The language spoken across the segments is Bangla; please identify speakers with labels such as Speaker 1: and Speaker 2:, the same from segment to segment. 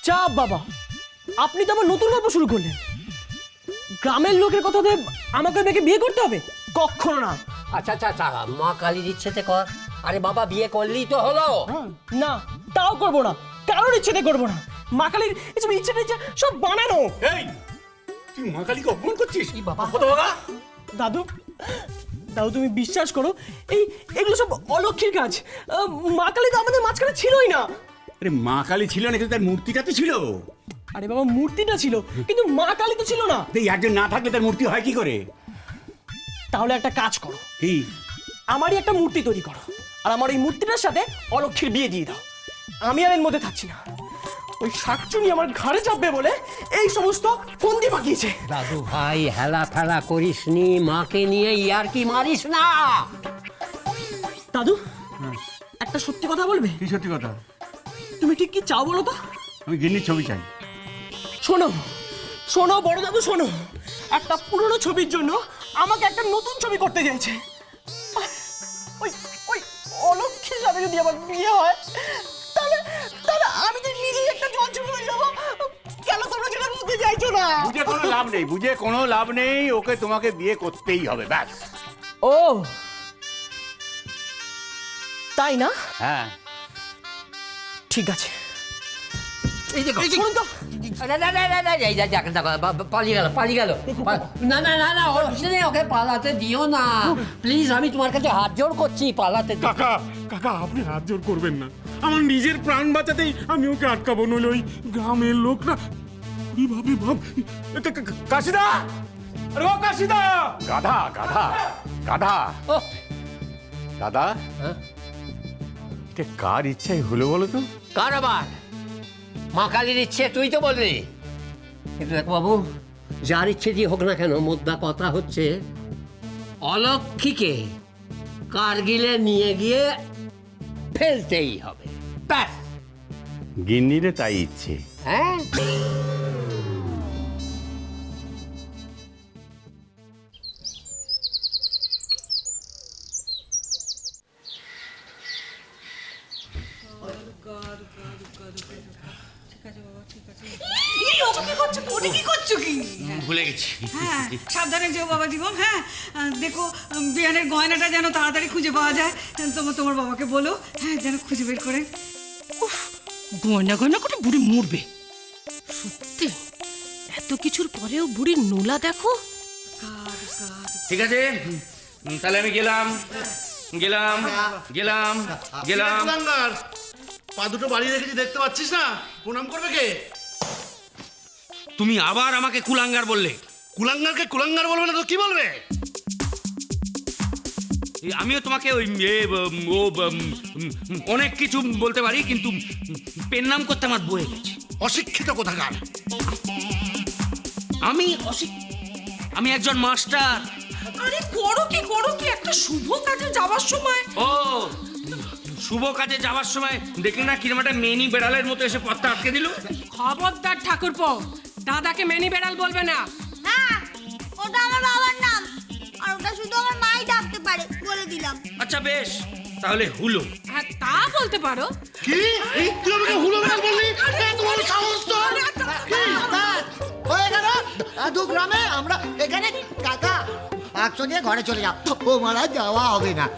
Speaker 1: চাপ বাবা, আপনি তো আমার নতুন গল্প শুরু করলেন। গ্রামের লোকের কথাতে আমাকে মেয়েকে বিয়ে করতে হবে? কখনো না।
Speaker 2: আচ্ছা আচ্ছা আচ্ছা, মা কালীর ইচ্ছেতে কর। আরে বাবা, বিয়ে করলেই তো হলো।
Speaker 1: না, তাও করবো না, কারোর ইচ্ছেতে করবো না। মা কালীর এসব ইচ্ছে টিচ্ছে সব বানানো।
Speaker 3: এই তুই মা কালীকে অপমান করছিস?
Speaker 2: বাবা,
Speaker 1: দাদু, দাদু তুমি বিশ্বাস করো, এগুলো সব অলক্ষীর কাজ। মা কালী তো আমাদের মাঝখানে ছিলই না।
Speaker 3: আরে মা কালী ছিল না, কিন্তু তার মূর্তিটা তো ছিল।
Speaker 1: আরে বাবা, মূর্তিটা ছিল কিন্তু মা কালী তো ছিল না।
Speaker 3: এই একজন না থাকলে তার মূর্তি হয় কি করে?
Speaker 1: তাহলে একটা কাজ করো,
Speaker 3: কি?
Speaker 1: আমারই একটা মূর্তি তৈরি করো, আর আমার এই মূর্তিটার সাথে অলক্ষীর বিয়ে দিয়ে দাও। আমি আর এর মধ্যে থাকছি না। ওই শাকচুনি আমার ঘাড়ে চাপবে বলে এই সমস্ত ফন্দি পাকিয়েছে।
Speaker 2: দাদু ভাই, হেলা ফেলা করিস নি, মাকে নিয়ে ইয়ার কি মারিস না।
Speaker 1: দাদু, একটা সত্যি কথা বলবে?
Speaker 3: কি সত্যি কথা?
Speaker 1: তুমি ঠিক কি চাও বলো তো?
Speaker 3: আমি গিন্নির ছবি চাই।
Speaker 1: শোনো শোনো বড় দাদু, শোনো। একটা পুরনো ছবির জন্য আমাকে একটা নতুন ছবি করতে চাইছে। ওই ওই অলক্ষীর সাথে যদি আমার বিয়ে হয়, তাহলে তাহলে আমি তো নিজেই একটা জঞ্জল হয়ে যাবো। কেন তোমরা যেটা বুঝতে চাইছো না?
Speaker 3: বুঝে কোনো লাভ নেই, বুঝে কোনো লাভ নেই। ওকে তোমাকে বিয়ে করতেই হবে, ব্যাস।
Speaker 1: ও তাই না?
Speaker 3: হ্যাঁ,
Speaker 1: ঠিক আছে।
Speaker 2: এই যে
Speaker 1: শুনুন তো,
Speaker 2: পালিয়ে গেল। না না না না, ওর পিছনে ওকে পালাতে দিও না প্লিজ, আমি তোমার কাছে হাত জোড় করছি, পালাতে দিও।
Speaker 4: কাকা কাকা, আপনি হাত জোর করবেন না। আমার নিজের প্রাণ বাঁচাতেই আমি ওকে আটকাবো, নইলে ওই গ্রামের লোক না কিভাবে ভাব। কাশিদা, আরে ও কাশিদা!
Speaker 3: গাধা গাধা গাধা।
Speaker 2: ওহ,
Speaker 3: দাদা,
Speaker 2: হ্যাঁ?
Speaker 3: এটা কার ইচ্ছাই হলো বলো তো?
Speaker 2: কার আবার? মা কালীর ইচ্ছে, তুই তো বললি। কিন্তু দেখ বাবু, যার ইচ্ছে দিয়ে হোক না কেন, মোদ্দা কথা হচ্ছে অলক্ষীকে কার্গিলে নিয়ে গিয়ে ফেলতেই হবে, ব্যাস।
Speaker 3: গিন্নিরে তাই ইচ্ছে।
Speaker 2: হ্যাঁ,
Speaker 5: কি করছো কি?
Speaker 6: ভুলে গেছি।
Speaker 5: হ্যাঁ, সাবধানে যেও বাবা জীবন। হ্যাঁ, দেখো বিয়ানের গয়নাটা যেন তাড়াতাড়ি খুঁজে পাওয়া যায়। তোমার বাবাকে বলো, হ্যাঁ, যেন খুঁজে বের করে।
Speaker 7: গয়না গয়না করে বুড়ি মরবে। সত্যি এত কিছুর পরেও বুড়ির নোলা দেখো।
Speaker 6: ঠিক আছে, তাহলে আমি গেলাম গেলাম গেলাম গেলাম।
Speaker 8: কুলাঙ্গার, পা দুটো বাড়ি রেখেছি, দেখতে পাচ্ছিস না? প্রণাম করবে কে?
Speaker 6: তুমি আবার আমাকে কুলাঙ্গার বললে।
Speaker 8: কুলাঙ্গারকে কুলাঙ্গার বলবে না তো কি বলবে?
Speaker 6: আমিও তোমাকে ওই অনেক কিছু বলতে পারি, কিন্তু পেন নাম করতে আমার বয়ে গেছে।
Speaker 8: অশিক্ষিত কোথাকার।
Speaker 6: আমি একজন মাস্টার।
Speaker 7: আরে করো কি একটা শুভ কাজে যাওয়ার সময়।
Speaker 6: ও, শুভ কাজে যাওয়ার সময় দেখলি না কিরম একটা মেনি বেড়ালের মতো এসে পথটা আটকে দিল।
Speaker 7: খবরদার ঠাকুরপো, দাদাকে মেনি বেড়াল বলবে না।
Speaker 9: হ্যাঁ, ওটা আমার বাবার নাম, আর ওটা শুধু আমার মাই ডাকতে পারে, বলে দিলাম।
Speaker 6: আচ্ছা বেশ, তাহলে হুলো।
Speaker 7: হ্যাঁ, তা বলতে পারো।
Speaker 8: কি? তুই আমাকে হুলো বেড়াল বললি? তোমার সাহস তো!
Speaker 10: হয়ে গেল দু গ্রামে আমরা এখানে। কাকা বাক্স নিয়ে ঘরে চলে যাও, ও মারা যাওয়া হবে না।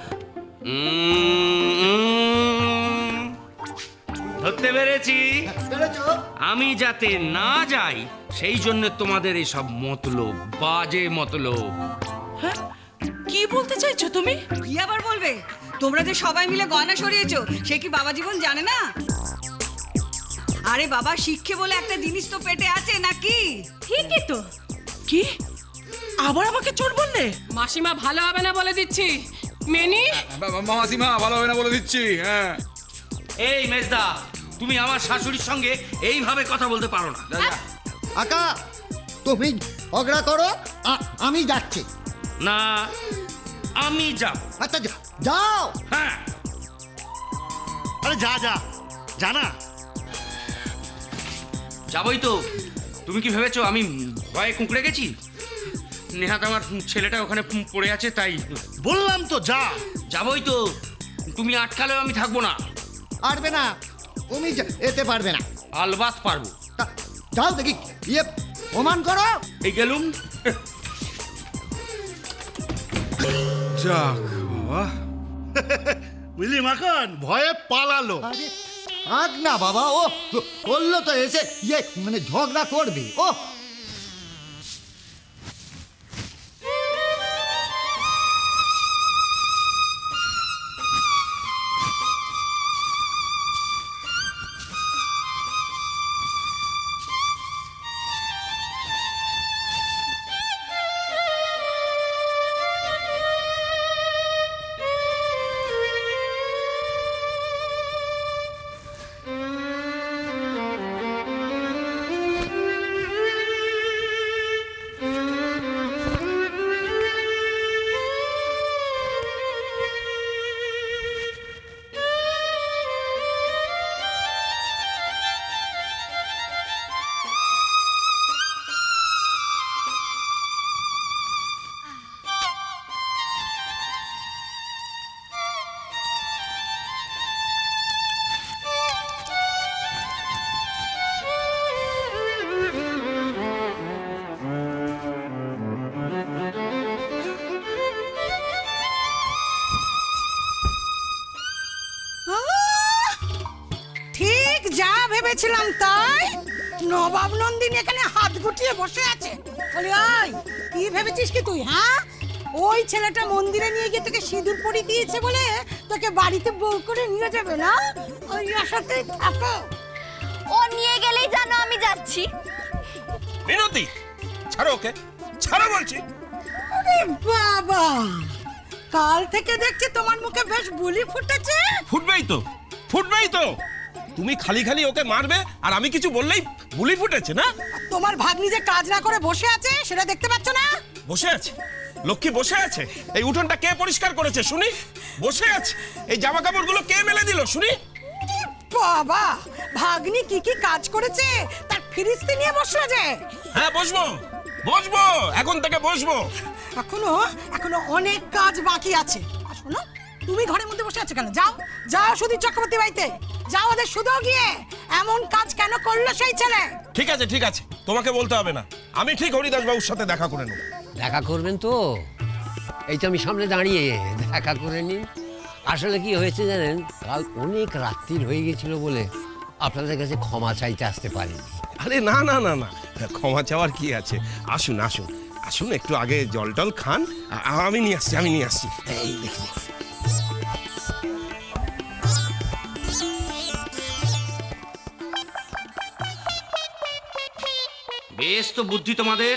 Speaker 6: ধরতে পেরেছি।
Speaker 10: পেরেছো?
Speaker 6: আমি যাতে না যাই সেই জন্য তোমাদের এসব মতলব, বাজে মতলব।
Speaker 7: হ্যাঁ, কি বলতে চাইছো তুমি?
Speaker 5: কি আবার বলবে? তোমরা যে সবাই মিলে গয়না সরিয়েছো, সে কি বাবা জীবন জানে না? আরে বাবা, শিক্ষে বলে একটা জিনিস তো পেটে আছে নাকি?
Speaker 7: ঠিকই তো। কি আবার আমাকে চোর বললে? মাসিমা ভালো হবে না বলে দিচ্ছি। মেনি
Speaker 4: মাসিমা ভালো হবে না বলে দিচ্ছি। হ্যাঁ,
Speaker 6: এই মেজদা, তুমি আমার শাশুড়ির সঙ্গে এইভাবে কথা বলতে পারো না।
Speaker 10: কাকা তুমি ঝগড়া করো, আমি যাচ্ছি।
Speaker 6: না, আমি যাব।
Speaker 10: আচ্ছা যাও।
Speaker 6: হ্যাঁ,
Speaker 8: আরে যা যা, জানা
Speaker 6: যাবই তো। তুমি কি ভেবেছো আমি ভয়ে কুঁকড়ে গেছি? নেহাত আমার ছেলেটা ওখানে পড়ে আছে, তাই
Speaker 8: বললাম তো যা।
Speaker 6: যাবই তো। তুমি আটকালেও আমি থাকবো না।
Speaker 10: পারবে না, তুমি যেতে পারবে না।
Speaker 6: আলবাত পারবো।
Speaker 10: যাও দেখি ইয়ে প্রমাণ করো।
Speaker 6: এই গেলুম।
Speaker 8: যাক বাবা বুঝলি মাখন ভয়ে পালালো।
Speaker 10: আরে থাক না বাবা, ও বললো তো এসে ইয়ে মানে ঝগড়া করবে। ও
Speaker 7: ঠিক যা ভেবেছিলাম তাই। নবাব নন্দিনী এখানে হাত গুটিয়ে বসে আছে। বলি ওই কি ভেবেছিস কি তুই, হ্যাঁ? ওই ছেলেটা মন্দিরে নিয়ে গিয়ে তোকে সিঁদুর পরিয়ে দিয়েছে বলে তোকে বাড়িতে বউ করে নিয়ে যাবে না? ওই আশাতেই থাকো।
Speaker 9: ও নিয়ে গেলেই জানো আমি যাচ্ছি।
Speaker 11: মিনতি, ছাড়ো ওকে, ছাড়ো বলছি।
Speaker 7: আরে বাবা, কাল থেকে দেখছি তোমার মুখে বেশ বুলি ফুটেছে।
Speaker 11: ফুটবেই তো, ফুটবেই তো। তুমি খালি খালি ওকে মারবে আর আমি কিছু বললেই বুলি ফুটেছে না?
Speaker 7: তোমার ভাগ্নি যে কাজ না করে বসে আছে সেটা দেখতে পাচ্ছ না?
Speaker 11: বসে আছে, লক্ষ্মী বসে আছে। এই উঠোনটা কে পরিষ্কার করেছে শুনি? বসে আছে। এই জামা কাপড়গুলো কে মেলে দিল শুনি?
Speaker 7: বাবা, ভাগ্নি কি কি কাজ করেছে তার ফিরিস্তি নিয়ে বসে আছে।
Speaker 11: হ্যাঁ বসবো, বসবো, এখন থেকে বসবো।
Speaker 7: এখনো অনেক কাজ বাকি আছে। আর শোনো, তুমি ঘরের মধ্যে বসে আছো কেন? যাও যাও সুধীর চক্রবর্তী বাড়িতে যাও, ওদের শুধু গিয়ে এমন কাজ কেন করলো সেই ছেলে।
Speaker 11: ঠিক আছে, ঠিক আছে, তোমাকে বলতে হবে না। আমি ঠিক হরিদাস বাবুর সাথে দেখা করে নেব।
Speaker 2: দেখা করবেন তো? এই তো আমি সামনে দাঁড়িয়ে, দেখা করে নিন। আসলে কি হয়েছে জানেন, কাল অনেক রাত্রির হয়ে গেছিল বলে আপনাদের কাছে ক্ষমা চাইতে আসতে পারিনি।
Speaker 11: আরে না না না না, ক্ষমা চাওয়ার কি আছে? আসুন আসুন আসুন, একটু আগে জল টল খান। আমি নিয়ে আসছি, আমি নিয়ে আসছি। এই দেখি,
Speaker 6: বেশ তো বুদ্ধি তোমাদের।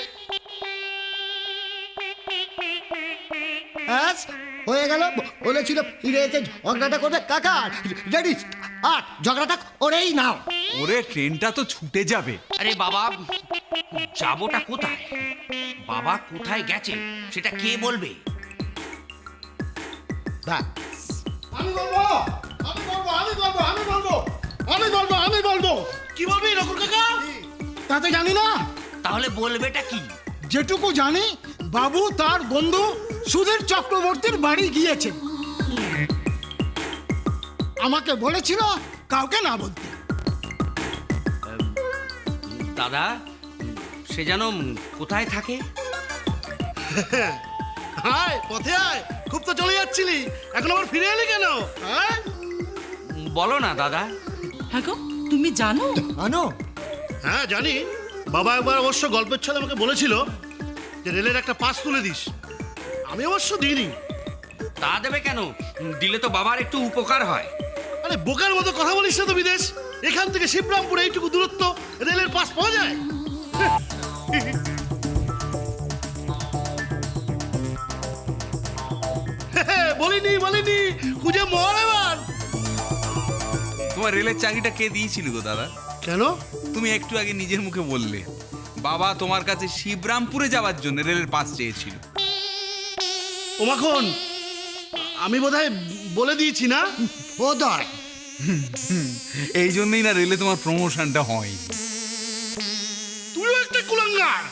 Speaker 10: ব্যাস হয়ে গেল। বলেছিল ফিরে এসে ঝগড়াটা করবে। কাকা রেডি, আর ঝগড়াটা করেই নাও।
Speaker 8: ওরে ট্রেনটা তো ছুটে যাবে।
Speaker 6: আরে বাবা, যাবোটা কোথায়? বাবা কোথায় গেছে সেটা কে বলবে?
Speaker 10: ব্যাস
Speaker 8: আমি বলবো, আমি বলবো, আমি বলবো, আমি বলবো, আমি বলবো, আমি বলবো। কি বলবি নকুল কাকা?
Speaker 10: তাতে জানি না।
Speaker 6: তাহলে বলবেটা কি?
Speaker 10: যেটুকু জানি, বাবু তার বন্ধু সুধীর চক্রবর্তীর বাড়ি গিয়েছে। আমাকে বলেছিল কাউকে না বলতে।
Speaker 6: দাদা, সে যেন কোথায় থাকে?
Speaker 8: আয় পথে আয়, খুব তো চলে যাচ্ছিলি, এখন আবার ফিরে এলি কেন? হ্যাঁ
Speaker 6: বলো না দাদা।
Speaker 7: হ্যাঁ গো, তুমি জানো?
Speaker 10: আনো
Speaker 8: হ্যাঁ জানি। বাবা একবার অবশ্য গল্পের ছলে আমাকে বলেছিল যে রেলের একটা পাস তুলে দিস। আমি অবশ্য দিইনি।
Speaker 6: তা দেবে কেন? দিলে তো বাবার একটু উপকার হয়।
Speaker 8: আরে বোকার মতো কথা বলিস না তো বিদেশ। এখান থেকে শিবরামপুর এইটুকু দূরত্ব, রেলের পাস পাওয়া যায়? বলিনি বলিনি, খুঁজে মর এবার।
Speaker 12: তোমার রেলের চাকরিটা কে দিয়েছিল গো দাদা?
Speaker 8: কেন?
Speaker 12: তুমি একটু আগে নিজের মুখে বললে বাবা তোমার কাছে শিবরামপুরে যাওয়ার জন্য রেলের পাস চেয়েছিল।
Speaker 8: ও মাখন, আমি বোধহয় বলে দিয়েছি না?
Speaker 10: বোধহয়।
Speaker 12: এই জন্যই না রেলে তোমার প্রমোশনটা হয়।
Speaker 8: তুইও একটা কুলাঙ্গার।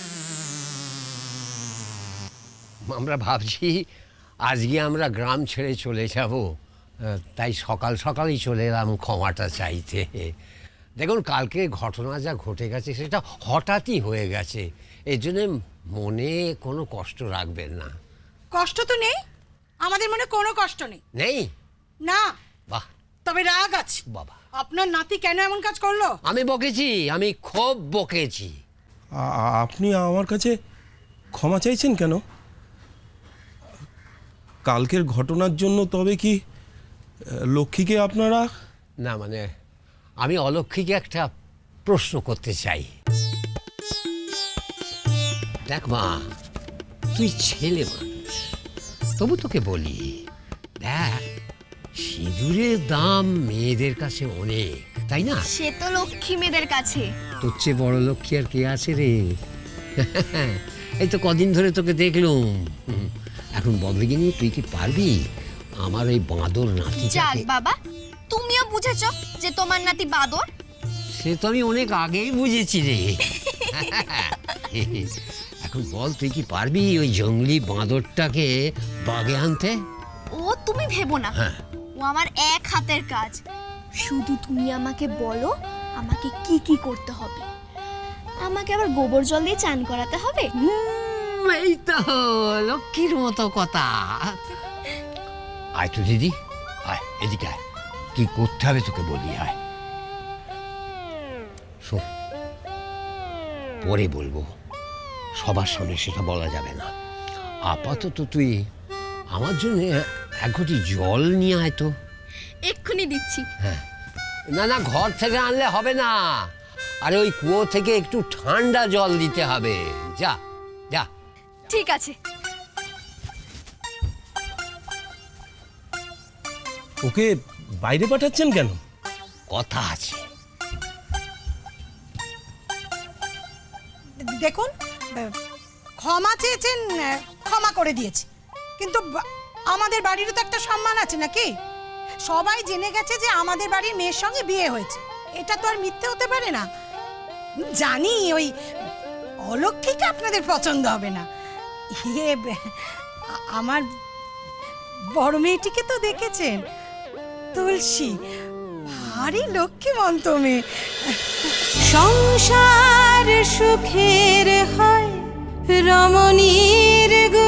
Speaker 2: আমরা ভাবছি আজকে আমরা গ্রাম ছেড়ে চলে যাব, তাই সকাল সকালই চলে এলাম ক্ষমাটা চাইতে। দেখুন কালকে ঘটনা যা ঘটে গেছে সেটা হঠাৎই হয়ে গেছে, এই জন্যে মনে কোনো কষ্ট রাখবেন না।
Speaker 7: কষ্ট তো নেই, আমাদের মনে কোনো কষ্ট নেই।
Speaker 2: নেই?
Speaker 7: না।
Speaker 2: বাহ।
Speaker 7: তবে রাগ আছে।
Speaker 2: বাবা,
Speaker 7: আপনার নাতি কেন এমন কাজ করলো?
Speaker 2: আমি বকেছি, আমি খুব বকেছি।
Speaker 11: আপনি আমার কাছে ক্ষমা চাইছেন কেন? কালকের ঘটনার জন্য তবে কি লক্ষ্মীকে আপনারা?
Speaker 2: না মানে আমি অলক্ষ্মীকে একটা প্রশ্ন করতে চাই। দেখ মা, তুই ছেলে মানুষ, তবু তোকে বলি, দেখ সিঁদুরের দাম মেয়েদের কাছে অনেক, তাই না?
Speaker 9: সে তো লক্ষ্মী মেয়েদের কাছে।
Speaker 2: তোর চেয়ে বড় লক্ষ্মী আর কে আছে রে? এই তো কদিন ধরে তোকে দেখলুম। এখন বদলিগিনি, তুই কি পারবি আমার ওই বাঁদর
Speaker 9: যাক
Speaker 2: নাতিটাকে?
Speaker 9: বাবা, তুমিও বুঝেছো যে তোমার নাতি বাদর।
Speaker 2: সে তো আমি অনেক আগেই বুঝেছি রে। এখন বল, তুই কি পারবি ওই জঙ্গলি বাঁদরটাকে বাগে আনতে?
Speaker 9: ও তুমি ভেবো না,
Speaker 2: হ্যাঁ।
Speaker 9: ও আমার এক হাতের কাজ। শুধু তুমি আমাকে বলো আমাকে কি কি করতে হবে। আমাকে আবার গোবর জল দিয়ে চান করাতে হবে।
Speaker 2: এই তো লক্ষ্মীর মতো কথা। আয় তো দিদি, আয় এদিকে আয়, কি করতে হবে তোকে বলি, আয়। শোন, পরে বলবো, সবার সামনে সেটা বলা যাবে না। আপাতত তুই আমার জন্য এক ঘটি জল নিয়ে আয় তো।
Speaker 9: এক্ষুনি দিচ্ছি।
Speaker 2: হ্যাঁ, না না, ঘর থেকে আনলে হবে না, আরে ওই কুয়ো থেকে একটু ঠান্ডা জল দিতে হবে। যা যা।
Speaker 9: ঠিক আছে।
Speaker 11: ওকে বাইরে পাঠাচ্ছেন কেন?
Speaker 2: কথা আছে।
Speaker 7: দেখুন, ক্ষমা চেয়েছেন, ক্ষমা করে দিয়েছি, কিন্তু আমাদের বাড়িরও তো একটা সম্মান আছে নাকি? সবাই জেনে গেছে যে আমাদের বাড়ির মেয়ের সঙ্গে বিয়ে হয়েছে, এটা তো আর মিথ্যে হতে পারে না। জানি ওই অলক্ষ্মীকে আপনাদের পছন্দ হবে না। আমার বড় মেয়েটিকে তো দেখেছেন, তুলসী, ভারী লক্ষ্মীমন্ত মেয়ে।
Speaker 13: সংসার সুখের হয় রমণীর